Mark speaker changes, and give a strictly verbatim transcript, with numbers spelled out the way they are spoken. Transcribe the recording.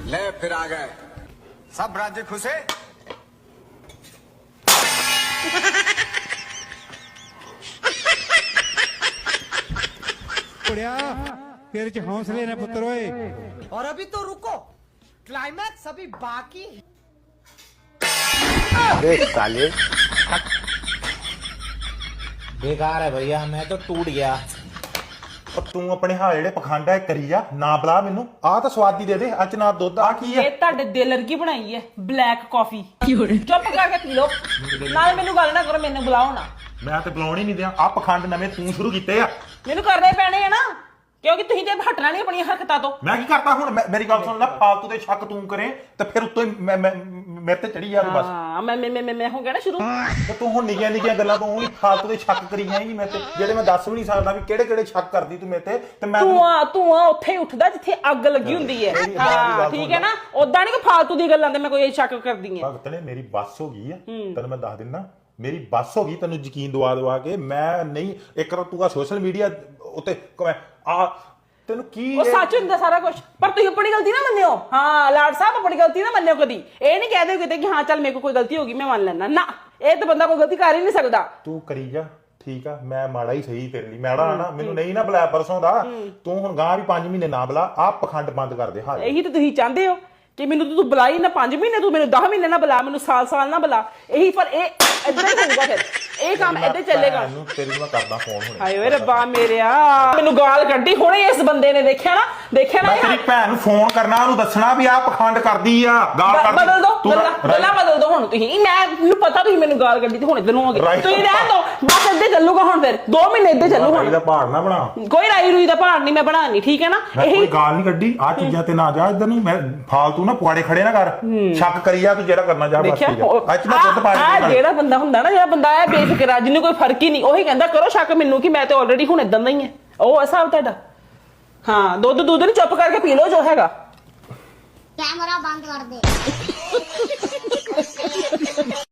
Speaker 1: ले फिर आ गए सब राज्य खुशे
Speaker 2: तेरे च हौसले ने पुत्र ओए।
Speaker 3: और अभी तो रुको, क्लाइमैक्स अभी बाकी है।
Speaker 4: साले बेकार है भैया, मैं तो टूट गया।
Speaker 5: ਤੂੰ ਆਪਣੇ ਹਾਲ ਜਿਹੜੇ ਪਖੰਡ ਹੈ ਕਰੀ ਜਾ ਨਾ ਬੁਲਾ ਮੈਨੂੰ ਆਹ ਤਾਂ ਸਵਾਦੀ ਦੇ ਦੇ ਅੱਜ ਨਾ ਦੁੱਧ ਆ ਕੀ ਹੈ
Speaker 6: ਇਹ ਤੁਹਾਡੇ ਦਿਲ ਵਰਗੀ ਬਣਾਈ ਹੈ ਬਲੈਕ ਕਾਫੀ ਚੁੱਪ ਕਰਕੇ ਪੀ ਲਓ ਨਾਲ ਮੈਨੂੰ ਗੱਲ ਨਾ ਕਰੋ ਮੈਨੂੰ ਬੁਲਾਓ ਨਾ
Speaker 5: ਮੈਂ ਤੇ ਬੁਲਾਉਣ ਹੀ ਨਹੀਂ ਦਿਆਂ ਆ ਪਖੰਡ ਨਵੇਂ ਤੂੰ ਸ਼ੁਰੂ ਕੀਤੇ ਆ
Speaker 6: ਮੈਨੂੰ ਕਰਨੇ ਪੈਣੇ ਆ ਨਾ ਕਿਉਂਕਿ ਤੁਸੀਂ ਤੇ ਹਟਣਾ ਨਹੀਂ ਆਪਣੀਆਂ ਹਰਕਤਾਂ ਤੋਂ
Speaker 5: ਮੈਂ ਕੀ ਕਰਤਾ ਹੁਣ ਮੈਂ- ਮੇਰੀ ਗੱਲ ਸੁਣ ਲੈ ਫਾਲਤੂ ਦੇ ਸ਼ੱਕ ਤੂੰ ਕਰੇ ਤੇ ਫਿਰ ਉੱਤੋਂ ਹੀ ਮੈਂ- ਮੈਂ- ਮੇਰੇ ਤੇ ਚੜੀ ਜਾ ਬਸ
Speaker 6: ਹਾਂ ਮੈਂ ਮੈਂ ਮੈਂ ਮੈਂ ਹੋ ਗਿਆ ਨਾ ਸ਼ੁਰੂ
Speaker 5: ਤੇ ਤੂੰ ਹੁਣ ਨਿੱਕੀਆਂ ਨਿੱਕੀਆਂ ਗੱਲਾਂ ਤੋਂ ਉਹੀ ਫਾਲਤੂ ਦੇ ਸ਼ੱਕ ਕਰੀ ਜਾਏਂਗੀ ਮੇਰੇ ਤੇ ਜਿਹੜੇ ਮੈਂ ਦੱਸ ਵੀ ਨਹੀਂ ਸਕਦਾ ਵੀ ਕਿਹੜੇ ਕਿਹੜੇ ਸ਼ੱਕ ਕਰਦੀ ਤੂੰ ਮੇਰੇ ਤੇ ਤੇ ਮੈਂ
Speaker 6: ਤੂੰ ਆ ਤੂੰ ਆ ਉੱਥੇ ਹੀ ਉੱਠਦਾ ਜਿੱਥੇ ਅੱਗ ਲੱਗੀ ਹੁੰਦੀ ਹੈ ਹਾਂ ਠੀਕ ਹੈ ਨਾ ਉਦਾਂ ਨਹੀਂ ਕਿ ਫਾਲਤੂ ਦੀ ਗੱਲਾਂ ਤੇ ਮੈਂ ਕੋਈ ਸ਼ੱਕ ਕਰਦੀ ਆ
Speaker 5: ਭਗਤ ਨੇ ਮੇਰੀ ਬੱਸ ਹੋ ਗਈ ਆ ਤੈਨੂੰ ਮੈਂ ਦੱਸ ਦਿੰਦਾ ਮੇਰੀ ਬੱਸ ਹੋ ਗਈ ਤੈਨੂੰ ਯਕੀਨ ਦਵਾ ਦਵਾ ਕੇ ਮੈਂ ਨਹੀਂ ਇੱਕ ਵਾਰ ਤੂੰ ਆ ਸੋਸ਼ਲ ਮੀਡੀਆ ਉੱਤੇ ਆ ਤੈਨੂੰ ਕੀ
Speaker 6: ਉਹ ਸੱਚ ਹੁੰਦਾ ਸਾਰਾ ਕੁਝ ਪਰ ਤੁਸੀਂ ਆਪਣੀ ਗਲਤੀ ਨਾ ਮੰਨਿਓ ਹਾਂ ਲਾਡ ਸਾਹਿਬ ਆਪਣੀ ਗਲਤੀ ਨਾ ਮੰਨਿਓ ਕਦੀ ਇਹ ਨਹੀਂ ਕਹਦੇ ਕਿਤੇ ਕਿ ਹਾਂ ਚੱਲ ਮੇਰੇ ਕੋਲ ਕੋਈ ਗਲਤੀ ਹੋ ਗਈ ਮੈਂ ਮੰਨ ਲੈਣਾ ਨਾ ਇਹ ਤਾਂ ਬੰਦਾ ਕੋਈ ਗਲਤੀ ਕਰ ਹੀ ਨਹੀਂ ਸਕਦਾ
Speaker 5: ਤੂੰ ਕਰੀ ਜਾ ਠੀਕ ਆ ਮੈਂ ਮਾੜਾ ਹੀ ਸਹੀ ਤੇਰੇ ਲਈ ਮੈੜਾ ਨਾ ਮੈਨੂੰ ਨਹੀਂ ਨਾ ਬੁਲਾਇਆ ਪਰਸੋਂ ਦਾ ਤੂੰ ਹੁਣ ਗਾਂ ਵੀ ਪੰਜ ਮਹੀਨੇ ਨਾ ਬੁਲਾ ਆ ਪਖੰਡ ਬੰਦ ਕਰ ਦੇ ਹਾਂ
Speaker 6: ਇਹੀ ਤਾਂ ਤੁਸੀਂ ਚਾਹੁੰਦੇ ਹੋ ਕਿ ਮੈਨੂੰ ਤੂੰ ਬੁਲਾਈ ਨਾ ਪੰਜ ਮਹੀਨੇ ਤੂੰ ਮੈਨੂੰ ਦਸ ਮਹੀਨੇ ਨਾ ਬੁਲਾ ਮੈਨੂੰ ਸਾਲ ਸਾਲ ਨਾ ਬੁਲਾ ਇਹੀ ਪਰ ਇਹ ਇਦਾਂ ਹੀ ਹੋਊਗਾ ਫਿਰ ਇਹ ਕੰਮ ਇਦਾਂ ਚੱਲੇਗਾ
Speaker 5: ਮੈਨੂੰ ਤੇਰੀ ਨੂੰ ਮੈਂ ਕਰਦਾ ਫੋਨ ਹੁਣ
Speaker 6: ਹਾਏ ਓਏ ਰੱਬਾ ਮੇਰਿਆ ਮੈਨੂੰ ਗਾਲ ਕੱਢੀ ਹੁਣੇ ਇਸ ਬੰਦੇ ਨੇ ਦੇਖਿਆ ਨਾ ਦੇਖਿਆ ਨਾ
Speaker 5: ਮੈਂ ਤੇਰੀ ਭੈਣ ਨੂੰ ਫੋਨ ਕਰਨਾ ਉਹਨੂੰ ਦੱਸਣਾ ਵੀ ਆ ਪਖੰਡ ਕਰਦੀ ਆ ਗਾਲ ਕਰਦੀ
Speaker 6: ਬਦਲ ਦੋ ਗੱਲਾਂ ਬਦਲ ਦੋ ਹੁਣ ਤੁਸੀਂ ਮੈਂ ਮੈਨੂੰ ਪਤਾ ਤੁਸੀਂ ਮੈਨੂੰ ਗਾਲ ਕੱਢੀ ਤੇ ਹੁਣ ਇਧਰ ਨੂੰ ਹੋ ਗਏ ਤੁਸੀਂ ਰਹਿ ਦੋ ਬਸ ਇੱਦਾਂ ਚੱਲੂਗਾ ਹੁਣ ਫਿਰ ਦੋ ਮਹੀਨੇ ਇੱਦਾਂ ਚੱਲੂ ਹੁਣ
Speaker 5: ਇਹਦਾ ਪਹਾੜ ਨਾ ਬਣਾ
Speaker 6: ਕੋਈ ਰਾਈ ਰੂਈ ਦਾ ਪਹਾੜ ਨਹੀਂ ਮੈਂ ਬਣਾਣੀ ਠੀਕ ਹੈ ਨਾ
Speaker 5: ਇਹ ਕੋਈ ਗਾਲ ਨਹੀਂ ਕੱਢੀ ਆ ਚੀਜ਼ਾਂ ਤੇ ਨਾ ਜਾ ਇਧਰ ਨੂੰ ਮੈਂ ਫਾਲਤੂ ਨਾ ਪੁਆੜੇ ਖੜੇ ਨਾ ਕਰ ਸ਼ੱਕ ਕਰੀ ਜਾ ਤੂੰ ਜਿਹੜਾ ਕਰਨਾ ਜਾ ਬਸ ਠੀਕ ਆ ਅੱਜ ਮੈਂ ਦੁੱਧ ਪਾ
Speaker 6: ਆ ਜਿਹੜਾ ਬੰਦਾ ਹੁੰਦਾ ਨਾ ਜਿਹੜਾ ਬੰਦਾ ਹੈ ਬੇਫਿਕਰ ਜਿਹਨੂੰ ਕੋਈ ਫਰਕ ਹੀ ਨਹੀਂ ਉਹੀ ਕਹਿੰਦਾ ਕਰੋ ਸ਼ੱਕ ਮੈਨੂੰ ਕਿ ਮੈਂ ਤੇ ਆਲਰੇਡੀ ਹੁਣ ਇਦਾਂ ਦਾ ਹੀ ਹੈ ਉਹ ਹਿਸਾਬ ਤੁਹਾਡਾ ਹਾਂ ਦੁੱਧ ਦੁੱਧ ਨਹੀਂ ਚੁੱਪ ਕਰਕੇ ਪੀ ਲਓ ਜੋ ਹੈਗਾ
Speaker 7: कैमरा बंद कर दे